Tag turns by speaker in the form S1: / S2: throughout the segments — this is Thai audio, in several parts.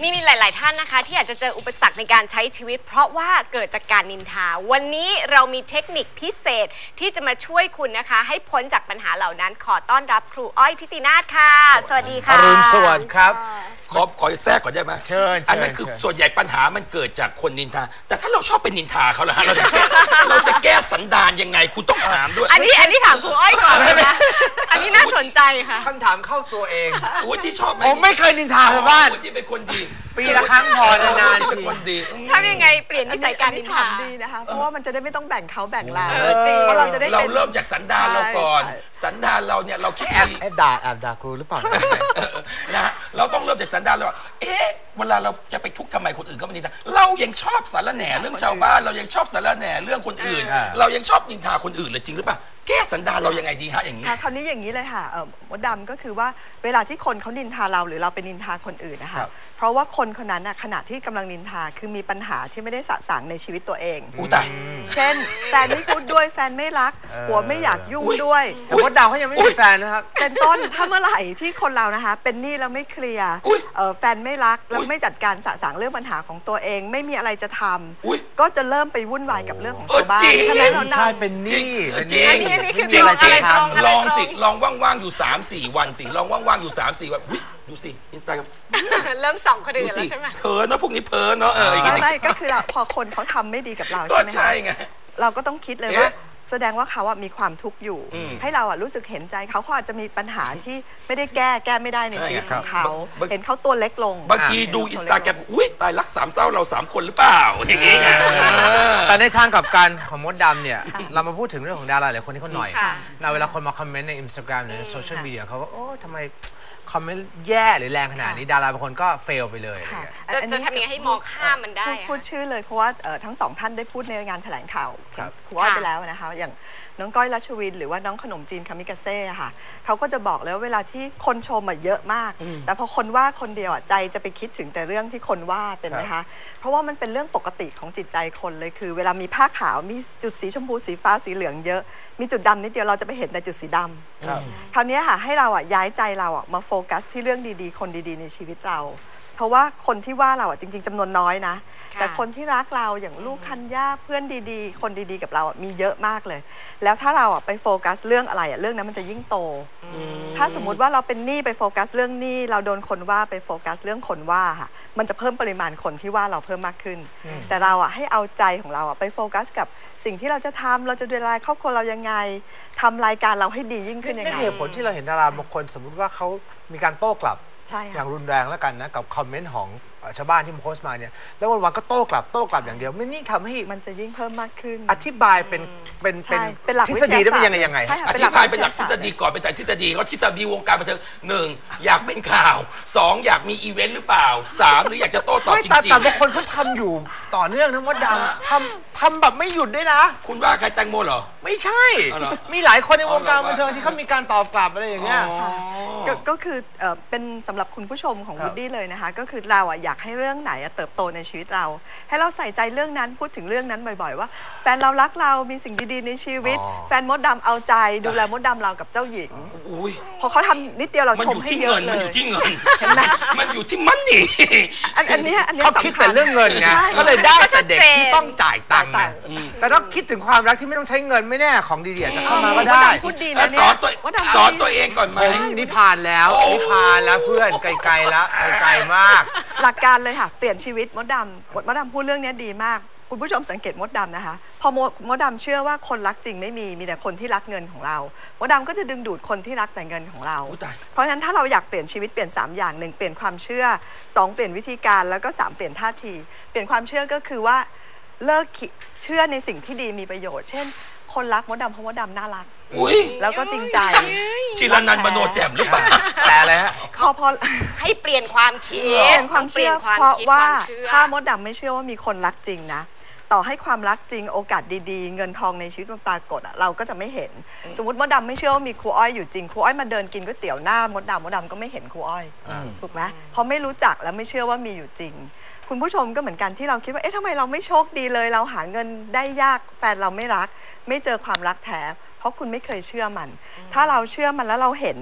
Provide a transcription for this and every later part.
S1: มีหลายๆท่านนะคะที่อาจจะเจออุปสรรคในการใช้ชีวิตเพราะว่าเกิดจากการนินทาวันนี้เรามีเทคนิคพิเศษที่จะมาช่วยคุณนะคะให้พ้นจากปัญหาเหล่านั้นขอต้อนรับครูอ้อยทิตินาถค่ะสวัสดีค่ะ
S2: อรุณสวัสดิ์ครับ
S3: ขอแทรกก่อนได้ไหม
S2: เชิญ
S3: อันนั้นคือส่วนใหญ่ปัญหามันเกิดจากคนนินทาแต่ถ้าเราชอบไปนินทาเขาล่ะฮะเราจะแก้สันดานยังไงคุณต้องถามด้วย
S1: อันนี้ถามครูอ้อยก่อนเลยนะอันนี้น่าสนใจค่ะ
S2: คำถามเข้าตัวเอง
S3: อุ้ยที่ชอบ
S2: ผมไม่เคยนินทาชาวบ้าน
S3: ที่เป็นคนดี
S2: ปีละครั้งพอนานๆ
S3: เป็นคนดี
S1: ทำยังไงเปลี่ยนนิสัยการนินทา
S4: ดีนะคะเพราะว่ามันจะได้ไม่ต้องแบ่งเขาแบ่งเรา
S1: เพราะ
S4: เราจะได้
S3: เราเริ่มจากสันดานเราก่อนสันดานเราเนี่ยเราคิดดี
S2: แอบด่าครูหรือเปล่า
S3: นะเราต้องเริ่มจากสันดานเราเวลาเราจะไปทุกข์ทำไมคนอื่นก็ไม่นินทาเรายังชอบสารแหน่เรื่องชาวบ้านเรายังชอบสารแหน่เรื่องคนอื่นเรายังชอบนินทาคนอื่นเลยจริงหรือเปล่าแก้สันดานเรายังไงดีฮะอย่างนี้
S4: คราวนี้อย่างนี้เลยค่ะมดดำก็คือว่าเวลาที่คนเขานินทาเราหรือเราไปนินทาคนอื่นนะคะเพราะว่าคนคนนั้นขณะที่กำลังนินทาคือมีปัญหาที่ไม่ได้สะสางในชีวิตตัวเอง
S3: ตาย
S4: เช่นแฟนไม่พูดด้วยแฟนไม่รักหัวไม่อยากยุ่งด้วย
S2: แต่มดดำเขายังไม่มีแฟนนะครับ
S4: เป็นต้นถ้าเมื่อไหร่ที่คนเรานะคะเป็นหนี้แล้วไม่เคลียร์แฟนไม่รักแล้วไม่จัดการสะสางเรื่องปัญหาของตัวเองไม่มีอะไรจะทำก็จะเริ่มไปวุ่นวายกับเรื่องของชาวบ้าน
S2: ใช่ไหมใช่เป็นหนี้
S3: จริงลองสิลองว่างๆอยู่ 3-4 วันสิลองว่างๆอยู่ 3-4 วันดูสิอินสตาแกรม
S1: เริ่มส่องคนอื่นแล้วใช่ไหม
S3: เพ้อเนาะพวกนี้เพ้อเนาะ
S4: ไม่ก็คือพอคนเขาทำไม่ดีกับเราใช่ไหมคะเราก็ต้องคิดเลยว่าแสดงว่าเขามีความทุกข์อยู่ให้เรารู้สึกเห็นใจเขาอาจจะมีปัญหาที่ไม่ได้แก้ไม่ได้ในชีวิตของเขาเห็นเขาตัวเล็กลง
S3: บางทีดูอินสตาแกรมอุ้ยตายรักสามเศร้าเรา3 คนหรือเปล่าอย่างงี้
S2: แต่ในทางกับการของมดดำเนี่ยเรามาพูดถึงเรื่องของดาราหลายคนที่เขาหน่อยเวลาคนมาคอมเมนต์ใน Instagram หรือในโซเชียลมีเดียเขาก็โอ้ทำไมคอมเมนต์แย่หรือแรงขนาดนี้ดาราบางคนก็เฟลไปเลย
S1: จะทำยังไงให้มองข้ามมันได้
S4: พูดชื่อเลยเพราะว่าทั้งสองท่านได้พูดในงานแถลงข่าวครูอ้อยไปแล้วนะคะอย่างน้องก้อยรัชวินหรือว่าน้องขนมจีนคามิกาเซ่ค่ะเขาก็จะบอกเลยว่าเวลาที่คนชมเยอะมากแต่พอคนว่าคนเดียวใจจะไปคิดถึงแต่เรื่องที่คนว่าเป็นไหมคะเพราะว่ามันเป็นเรื่องปกติของจิตใจคนเลยคือเวลามีผ้าขาวมีจุดสีชมพูสีฟ้าสีเหลืองเยอะมีจุดดำนิดเดียวเราจะไปเห็นแต่จุดสีดำคราวนี้ค่ะให้เราย้ายใจเรามาโฟกัสที่เรื่องดีๆคนดีๆในชีวิตเราเพราะว่าคนที่ว่าเราจริงๆจำนวนน้อยนะแต่คนที่รักเราอย่างลูกคันย่าเพื่อนดีๆคนดีๆกับเรามีเยอะมากเลยแล้วถ้าเราไปโฟกัสเรื่องอะไรเรื่องนั้นมันจะยิ่งโตถ้าสมมุติว่าเราเป็นหนี้ไปโฟกัสเรื่องหนี้เราโดนคนว่าไปโฟกัสเรื่องคนว่าค่ะมันจะเพิ่มปริมาณคนที่ว่าเราเพิ่มมากขึ้นแต่เราให้เอาใจของเราไปโฟกัสกับสิ่งที่เราจะทำเราจะดูแลครอบครัวเรายังไงทำรายการเราให้ดียิ่งขึ้นยังไง
S2: เหตุผลที่เราเห็นดาราบางคนสมมุติว่าเขามีการโต้กลับอย่างรุนแรงแล้วกันนะกับคอมเมนต์ของชาวบ้านที่มาโพสต์มาเนี่ยแล้ววันๆก็โต้กลับอย่างเดียวไม่นี่ทำให้
S4: มันจะยิ่งเพิ่มมากขึ้น
S2: อธิบายเป็นทฤษฎีได้เป็นยังไง
S3: อธิบายเป็นหลักทฤษฎีก่อนเป็นแต่ทฤษฎีเขาทฤษฎีวงการบันเทิง1อยากเป็นข่าว2อยากมีอีเวนต์หรือเปล่า3หรืออยากจะโต้ตอบจริง
S2: ๆแต่บางคนเขาทำอยู่ต่อเนื่องนะมดดำทำแบบไม่หยุดด้วยนะ
S3: คุณว่าใครแตงโมเหรอ
S2: ไม่ใช่มีหลายคนในวงการบันเทิงที่เขามีการตอบกลับอะไรอย่างเงี้ย
S4: ก็คือเป็นสำหรับคุณผู้ชมของวูดดี้เลยนะคะก็คือเราอยากให้เรื่องไหนเติบโตในชีวิตเราให้เราใส่ใจเรื่องนั้นพูดถึงเรื่องนั้นบ่อยๆว่าแฟนเรารักเรามีสิ่งดีๆในชีวิตแฟนมดดำเอาใจดูแลมดดำเรากับเจ้าหญิงพอเขาทำนิดเดียวเราชมให้เยอะเลย
S3: มันอยู่ที่เงินมันอยู่ที่มันนี่
S4: อันนี้
S2: เขาคิดแต่เรื่องเงินไงก็เลยได้แต่เด็กที่ต้องจ่ายตังค์แต่ต้องคิดถึงความรักที่ไม่ต้องใช้เงินไม่แน่ของดีๆจะเข้ามาก็ได้
S4: พูดดีนะเนี่ย
S3: สอนตัวเองก่อนไหม
S2: นิพานแล้วเพื่อนไกลๆแล้วไกลมาก
S4: หลักการเลยค่ะเปลี่ยนชีวิตมดดำพูดเรื่องนี้ดีมากคุณผู้ชมสังเกตมดดำนะคะพอมดดำเชื่อว่าคนรักจริงไม่มีแต่คนที่รักเงินของเรามดดำก็จะดึงดูดคนที่รักแต่เงินของเราเพราะฉะนั้นถ้าเราอยากเปลี่ยนชีวิตเปลี่ยน3อย่าง1เปลี่ยนความเชื่อ2เปลี่ยนวิธีการแล้วก็3เปลี่ยนท่าทีเปลี่ยนความเชื่อก็คือว่าเลิกเชื่อในสิ่งที่ดีมีประโยชน์เช่นคนรักมดดำเพราะมดดำน่ารักแล้วก็จริงใจ
S3: จิรนันท์มโนแจ่มหรือเปล่า
S2: แต่อะไรฮะ
S4: พอ
S1: ให้เปลี่ยนความคิด
S4: เปลี่ยนความเชื่อเพราะว่าถ้ามดดำไม่เชื่อว่ามีคนรักจริงนะต่อให้ความรักจริงโอกาสดีๆเงินทองในชีวิตมันปรากฏเราก็จะไม่เห็นสมมติมดดำไม่เชื่อว่ามีครูอ้อยอยู่จริงครูอ้อยมาเดินกินก๋วยเตี๋ยวหน้ามดดำก็ไม่เห็นครูอ้อยถูกไหมเพราะไม่รู้จักและไม่เชื่อว่ามีอยู่จริงคุณผู้ชมก็เหมือนกันที่เราคิดว่าทำไมเราไม่โชคดีเลยเราหาเงินได้ยากแฟนเราไม่รักไม่เจอความรักแท้เพราะคุณไม่เคยเชื่อมันถ้าเราเชื่อมันแล้วเราเห็นแบบ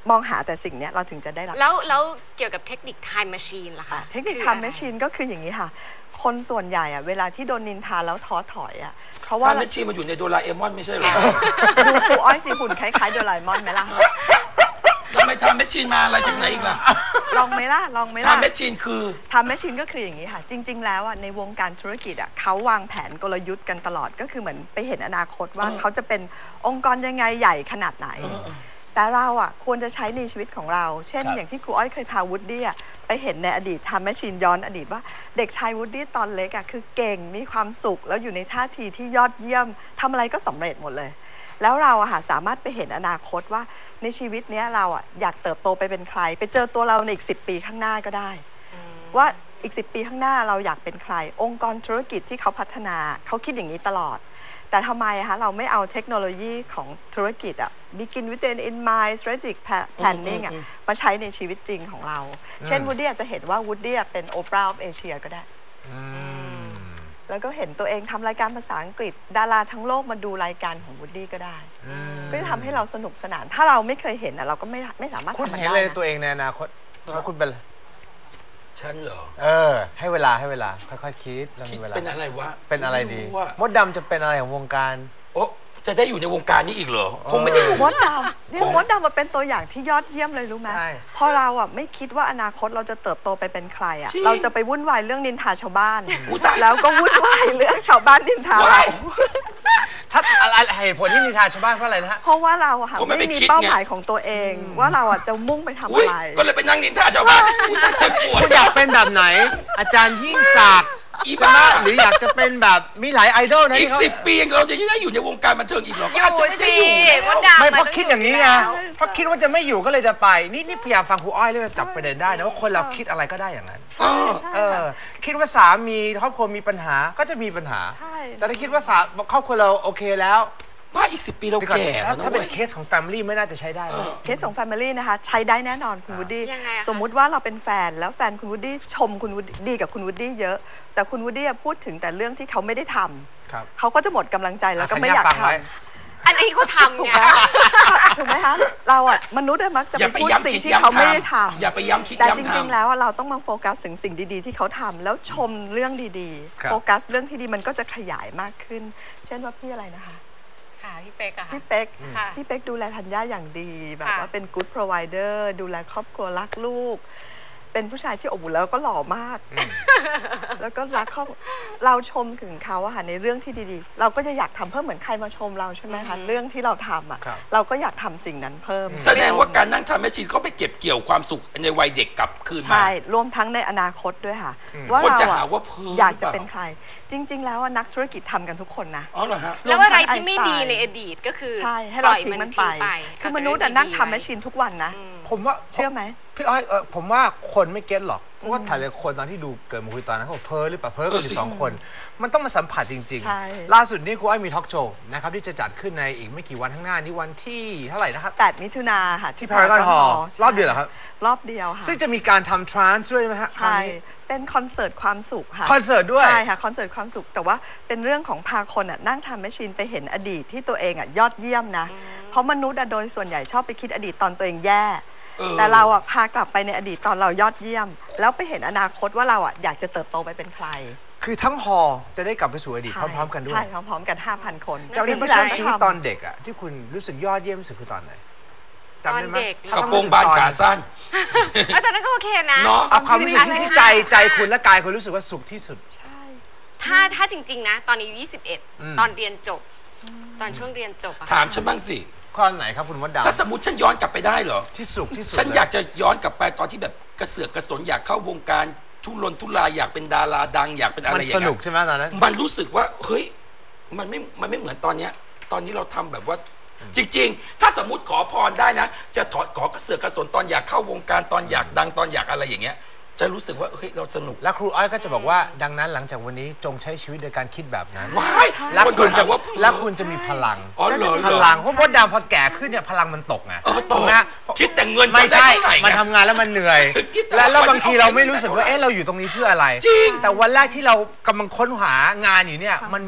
S4: มองหาแต่สิ่งเนี้ยเราถึงจะได้รับ
S1: แล้วเกี่ยวกับเทคนิค time machine ล่ะคะ
S4: เทคนิคทำแมชชีนก็คืออย่างนี้ค่ะ คนส่วนใหญ่อะเวลาที่โดนนินทาแล้วท้อถอยอะเพราะว่า
S3: ถ้าแมชชีนมันอยู่ในโดราเอมอนไม่ใช่เหรอ
S4: ดูครูอ้อยสิหุ่นคล้ายๆโดราเอมอนไหมล่ะ
S3: ทำไมทำแมชชีนมาอะไรจากไหนอีกล่ะ
S4: ลองไหมล่ะลองไหมล่ะ
S3: ทำแมชชีนคือ
S4: ทำแมชชีนก็คืออย่างนี้ค่ะ จริง ๆ แล้วอะในวงการธุรกิจอะเขาวางแผนกลยุทธ์กันตลอดก็คือเหมือนไปเห็นอนาคตว่าเขาจะเป็นองค์กรยังไงใหญ่ขนาดไหน แต่เราอ่ะควรจะใช้ในชีวิตของเรา เช่น
S3: ครับ
S4: อย่างที่ครูอ้อยเคยพาวูดดี้ไปเห็นในอดีตทำแมชชีนย้อนอดีตว่าเด็กชายวูดดี้ตอนเล็กอ่ะคือเก่งมีความสุข แล้วอยู่ในท่าทีที่ยอดเยี่ยมทำอะไรก็สำเร็จหมดเลย แล้วเราอะสามารถไปเห็นอนาคตว่าในชีวิตเนี้ยเราอะอยากเติบโตไปเป็นใคร ไปเจอตัวเราในอีก10 ปีข้างหน้าก็ได้ ว่าอีก10 ปีข้างหน้าเราอยากเป็นใคร องค์กรธุรกิจที่เขาพัฒนาเขาคิดอย่างนี้ตลอด แต่ทำไมคะเราไม่เอาเทคโนโลยีของธุรกิจbegin with an in mind strategic planning มาใช้ในชีวิตจริงของเรา เช่นวูดดี้อาจจะเห็นว่าวูดดี้เป็นโอปราห์ออฟเอเชียก็ได้ แล้วก็เห็นตัวเองทำรายการภาษาอังกฤษ ดาราทั้งโลกมาดูรายการของวูดดี้ก็ได้ ก็จะทำให้เราสนุกสนาน ถ้าเราไม่เคยเห็นเราก็ไม่สามารถ
S2: คุณ
S4: ทำมัน
S2: เห็น
S4: ได้
S2: เลย
S4: นะ
S2: ตัวเองในอนาคตว่าคุณเป็นอะไร
S3: ฉันเหรอ
S2: ให้เวลาค่อยๆคิดเรา
S3: คิด
S2: มีเวลา
S3: เป็นอะไรวะ
S2: เป็นอะไรดี
S3: ม่ว่า
S2: มดดำจะเป็นอะไรของวงการ
S3: โอ้จะได้อยู่ในวงการนี้อีกเหรอคงไม่ได้อยู่
S4: มดดำเนี่ยมดดำมาเป็นตัวอย่างที่ยอดเยี่ยมเลยรู้ไหม
S2: ใช่
S4: พอเราไม่คิดว่าอนาคตเราจะเติบโตไปเป็นใคร
S3: จริง
S4: เราจะไปวุ่นวายเรื่องนินทาชาวบ้าน
S3: อุ๊ยตาย
S4: แล้วก็วุ่นวายเรื่องชาวบ้านนินทาเรา
S3: ว้าย
S2: ถ้าอะไรเหตุผลที่นิทานชาวบ้านเพราะอะไรนะฮะ
S4: เพราะว่าเรา
S3: ผมไม่
S4: ไม่
S3: ไป
S4: มี
S3: คิด
S4: เป้า
S3: ไง
S4: หมายของตัวเอง ว่าเราจะมุ่งไปทำ
S3: อุ๊ย
S4: อะไร
S3: ก็เลยไปนั่งนินทาชาวบ้านอุ๊ยเจ็บปวด
S2: คุณอยากเป็นแบบไหน อาจารย์ยิ่งศักดิ์
S3: อี
S2: ใช่ไหม
S3: บ้า
S2: หรืออยากจะเป็นแบบมีหลายไอดอลนะ
S3: อีก
S2: ที่เขา
S3: 10 ปีเราจะได้อยู่ในวงการบันเทิงอีกเหรอ
S1: อยู่
S3: อาจจะไม่ได้
S1: สิ
S3: อยู่แล้ว
S1: มดดำ
S2: ไม่
S1: น
S2: เพราะ
S1: ต้อง
S2: คิดอย่างนี้
S1: อยู่
S2: ไง
S1: แล้ว
S2: เพราะคิดว่าจะไม่อยู่ก็เลยจะไป นี่พยายามฟังครูอ้อยเลยจับประเด็นได้นะว่าคนเราคิดอะไรก็ได้อย่างนั้น คิดว่าสามีครอบครัวมีปัญหาก็จะมีปัญหา
S4: ใช่
S2: แต่ถ้าคิดว่าครอบครัวเราโอเคแล้ว
S3: บ้าอีก10 ปีเราแก่แล้วนะ
S2: ถ้าเป็น
S3: ว้ย
S2: เคสของแฟมิลี่ไม่น่าจะใช้ได้นะ
S4: เคสของ Family นะคะใช้ได้แน่นอนคุณวูดดี้
S1: ยังไงอะคะ
S4: สมมุติว่าเราเป็นแฟนแล้วแฟนคุณวูดดี้ชมคุณวูดดี้กับคุณวูดดี้เยอะ แต่คุณวูดดี้พูดถึงแต่เรื่องที่เขาไม่ได้ทำ
S2: ครับ
S4: เขาก็จะหมดกำลังใจแล้วก็ไม่อยาก
S2: ฟัง
S4: ท
S2: ไว้
S1: อันนี้เขาทำไง
S4: ำถูกไหมคะเรามนุษย์มักจะ
S3: อย่า
S4: ไป
S3: ไป
S4: พูด
S3: ย้ำ
S4: สิ่ง
S3: คิด
S4: ที่
S3: ย้ำ
S4: เขาไม่ได้
S3: ทำ
S4: ทำ
S3: อย่าไปย้ำคิด
S4: แต่
S3: ย้ำ
S4: จ
S3: ทำ
S4: ริงๆแล้วเราต้องมาโฟกัสถึงสิ่งดีๆที่เขาทำแล้วชมเรื่องดี
S2: ครับ
S4: ๆ โฟกัสเรื่องที่ดีมันก็จะขยายมากขึ้น เช่นว่าพี่อะไรนะคะ
S1: ค่ะพี่เป๊กอะค่ะ
S4: พี่เป๊ก
S1: ค่ะ
S4: พี่เป๊กดูแลธัญญาอย่างดีแบบ
S1: ค่ะ
S4: ว่าเป็น good provider ดูแลครอบครัวรักลูก เป็นผู้ชายที่อบอุ่นแล้วก็หล่อมาก แล้วก็รักครอบเราชมถึงเขาในเรื่องที่ดีๆ เราก็จะอยากทำเพิ่มเหมือนใครมาชมเราใช่ไหมคะเรื่องที่เราทำ
S2: ครับ
S4: เราก็อยากทำสิ่งนั้นเพิ่ม
S3: แสดงว่าการนั่งทำแมชชีนก็ไปเก็บเกี่ยวความสุขในวัยเด็กกลับคืนมา
S4: ใช่รวมทั้งในอนาคตด้วยค่ะ ว่า
S3: คน
S4: เรา
S3: จะหาว่าเพ้อ
S4: อยากจะเป็นใคร จริง ๆ แล้วนักธุรกิจทำกันทุกคนนะ
S3: อ๋อเหรอฮะ
S1: แล้วอะไรที่
S4: รวมทั้ง
S1: ไม่ดี
S4: Einstein
S1: ในอดีตก็คือ
S4: ใช่ให้เรา
S1: ปล่อย
S4: ทิ้งมันไป คือมนุษย์
S1: เอาแต่
S4: นั่ง
S1: เรื่
S4: ทำแมชชีนทุกวันนะ
S2: ผมว่า
S4: เชื่อไหม
S2: พี่อ้อยผมว่าคนไม่เก็ตหรอกเพราะว่าถ่ายเลยคนตอนที่ดูเกิดมาคุยตอนนั้นเขาบอกเพ้อหรือเปล่าเพ้อกันอยู่สองคน มันต้องมาสัมผัสจริง
S4: ใช่
S2: ๆ ล่าสุดนี่ครูอ้อยมีทอล์กโชว์นะครับที่จะจัดขึ้นในอีกไม่กี่วันข้างหน้านี่วันที่เท่าไหร่นะครับ
S4: 8 มิถุนาค่ะ
S2: ที่ Paragon Hall รอบเดียวเหรอครับ
S4: รอบเดียวค่ะ
S2: ซึ่งจะมีการทำทรานส์ด้วยไหมฮะครั้ง
S4: ใช่
S2: นี้
S4: เป็นคอนเสิร์ตความสุขค่ะ
S2: คอนเสิร์ตด้วย
S4: ใช่ค่ะ คอนเสิร์ตความสุข แต่ว่าเป็นเรื่องของพาคนนั่งทำแมชชีนไปเห็นอดีตที่ตัวเองยอดเยี่ยมนะ เพราะมนุษย์โดยส่วนใหญ่ชอบไปคิดอดีตตอนตัวเองแย่ แต่เราพากลับไปในอดีตตอนเรายอดเยี่ยม แล้วไปเห็นอนาคตว่าเราอยากจะเติบโตไปเป็นใคร
S2: คือทั้งฮอลล์จะได้กลับไปสู่อดีตพร้อมๆกันด้วย
S4: ใช่พร้อมๆกัน 5,000 คน
S2: เจ้าที่
S4: สิ่ง
S2: ใช้
S4: เรา
S2: ชีวิต
S4: ทำ
S2: ตอนเด็กอะที่คุณรู้สึกยอดเยี่ยมที่สุดคือตอนไหนจำได้ไหม
S1: ตอนเด็ก
S2: ถ้าก
S3: ระ
S2: ต้อง
S3: โปรงบานขาสั้น
S1: แต่นั้นก็โอเคนะ
S3: เนาะ
S2: เอาความรู้สึกที่ใจคุณและกายคุณรู้สึกว่าสุขที่สุด
S1: ถ้าจริง ๆ นะ ตอนอายุ21 ตอนเรียนจบ ตอนช่วงเรียนจบอะ
S3: ถามฉันบ้างสิ
S2: ข้อไหนครับคุณมดดำ
S3: ถ้าสมมติฉันย้อนกลับไปได้เหรอ
S2: ที่สุขที่สุด
S3: ฉันอยากจะย้อนกลับไปตอนที่แบบกระเสือกกระสนอยากเข้าวงการทุรนทุรายอยากเป็นดาราดังอยากเป็นอะไร
S2: มัน
S3: อย่าง
S2: ส
S3: เงี้
S2: นุก
S3: ย
S2: ใช่ไหมตอนนั้น
S3: มันรู้สึกว่าเฮ้ยมันไม่เหมือนตอนเนี้ยตอนนี้เราทำแบบว่า จริง ๆ ถ้าสมมติขอพรได้นะ จะขอกระเสือกกระสนตอนอยากเข้าวงการตอนอยากดังตอนอยากอะไรอย่างเงี้ย จะรู้สึกว่าเฮ้ยเราสนุก
S2: และครูอ้อยก็จะบอกว่าดังนั้นหลังจากวันนี้จงใช้ชีวิตโดยการคิดแบบนั้น
S3: ว้าย
S2: และ
S3: คน
S2: คุ
S3: ก็
S2: ณ
S3: ถา
S2: จะ
S3: มว่า
S2: และคุณจะมีพลัง
S3: อ๋อเหรอ
S2: พลังเพราะมดดำพอแก่ขึ้นเนี่ยพลังมันตกไง
S3: ต
S2: ถู
S3: ก
S2: กไหม
S3: คิดแต่เงิน
S2: ไม่
S3: ได้
S2: ใช่
S3: เท่าไหร่
S2: มัน
S3: ไง
S2: ทำงานแล้วมันเหนื่อย
S3: คิดแต่
S2: แล้วบางทีเราไม่
S3: ว่า
S2: รู้สึกว่าเอ๊ะเราอยู่ตรงนี้เพื่ออะไร
S3: จริง
S2: แต่วันแรกที่เรากำลังค้นหางานอยู่เนี่ยมันมี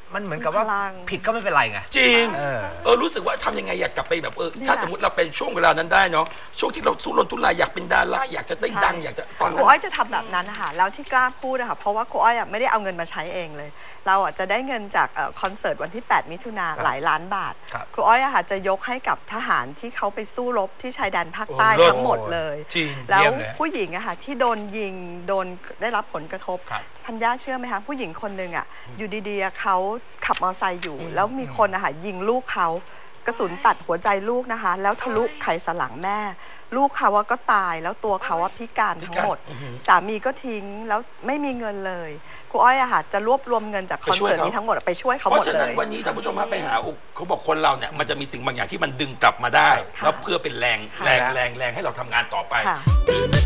S2: มันเหมือนกับว่า
S4: พลัง
S2: ผิดก็ไม่เป็นไรไง
S3: จริง
S2: เออ
S3: รู้สึกว่าทำยังไงอยากกลับไปแบบ
S4: นี่แหละ
S3: ถ้าสมมติเราเป็นช่วงเวลานั้นได้เนาะช่วงที่เราทุรนทุรายอยากเป็นดาราอยากจะได้ดังอยากจะตอน
S4: ค
S3: นั้
S4: รูอ้อย
S3: น
S4: จะทำแบบนั้นนะคะแล้วที่กล้าพูดนะคะเพราะว่าครูอ้อยไม่ได้เอาเงินมาใช้เองเลย เราจะได้เงินจากคอนเสิร์ตวันที่ 8 มิถุนาหลายล้านบาท
S2: ครับ
S4: ครูอ้อยจะยกให้กับทหารที่เขาไปสู้รบที่ชายแดนภาคใต้
S3: โอ้เลิศ
S4: ทั้งหมดเลย
S3: จริง
S4: แล้ว
S2: เยี่ยมเลย
S4: ผู้หญิงที่โดนยิงโดนได้รับผลกระทบ
S2: ครับ
S4: ธัญญาเชื่อไหมคะผู้หญิงคนหนึ่งอยู่ดีๆเขาขับมอเตอร์ไซค์อยู่ แล้วมีคนยิงลูกเขากระสุนตัดหัวใจลูกนะคะ แล้วทะลุไขสันหลังแม่ ลูกเขาก็ตายแล้วตัวเขาพิการทั้งหมด สามีก็ทิ้งแล้วไม่มีเงินเลยครูอ้อยจะรวบรวมเงินจากคอนเสิร์ตนี้ทั้งหมดไปช่วยเขา
S3: เพ
S4: หมด
S3: ราะฉะ
S4: เล
S3: นั้น
S4: ย
S3: วันนี้ท่านผู้ชมไปหาเขาบอกคนเราเนี่ยมันจะมีสิ่งบางอย่างที่มันดึงกลับมาได้ แล้วเพื่อเป็นแรงให้เราทำงานต่อไป
S4: ค่ะ